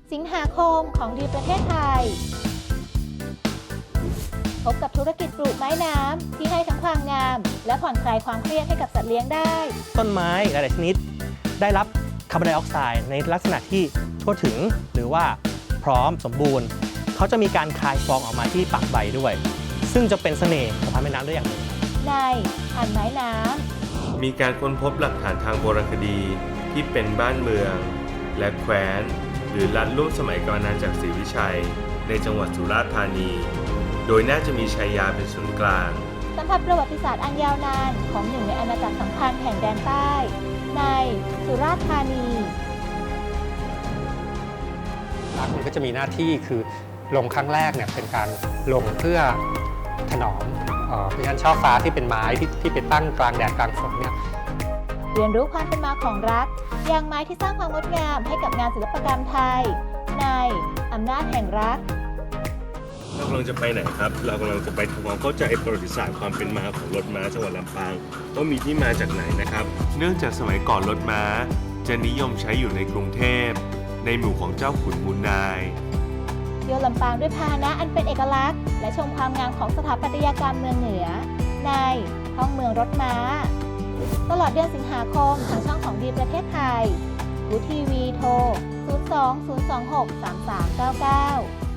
สิงหาคมของดีประเทศไทยพบกับธุรกิจปลูกไม้น้ำที่ให้ทั้งความงาม และผ่อนคลายความเครียดให้กับสัตว์เลี้ยงได้ต้นไม้หลายๆชนิดได้รับคาร์บอนไดออกไซด์ในลักษณะที่ทั่วถึงหรือว่าพร้อมสมบูรณ์เขาจะมีการคายฟองออกมาที่ปากใบด้วย ซึ่งจะเป็นเสน่ห์ของพันธุ์ไม้น้ำได้อย่างหนึ่งในพันธุ์ไม้น้ำมีการค้นพบหลักฐานทางโบราณคดีที่เป็นบ้านเมือง และแคว้นหรือรัฐร่วมสมัยกาลนานจากศรีวิชัยในจังหวัดสุราษฎร์ธานีโดยน่าจะมีชัยยาเป็นศูนย์กลางสัมผัสประวัติศาสตร์อันยาวนานของหนึ่งในอาณาจักรสำคัญแห่งแดนใต้ในสุราษฎร์ธานีรักมันก็จะมีหน้าที่คือลงครั้งแรกเนี่ยเป็นการลงเพื่อถนอมเพราะฉะนั้นช่อฟ้าที่เป็นไม้ที่ไปตั้งกลางแดดกลางฝนเนี่ยเรียนรู้ความเป็นมาของรักอย่างไม้ที่สร้างความงดงามให้กับงานศิลปกรรมไทยในอำนาจแห่งรักเรากำลังจะไปไหนครับเรากำลังจะไปทำความเข้าใจประวัติศาสตร์ความเป็นมาของรถม้าจังหวัดลำปางว่ามีที่มาจากไหนนะครับเนื่องจากสมัยก่อนรถม้าจะนิยมใช้อยู่ในกรุงเทพในหมู่ของเจ้าขุนมูลนายเที่ยวลำปางด้วยพาหนะอันเป็นเอกลักษณ์และชมความงามของสถาปัตยกรรมเมืองเหนือในท้องเมืองรถม้าตลอดเดือนสิงหาคมทางช่องของดีประเทศไทยวูทีวีโทร 02 026 3399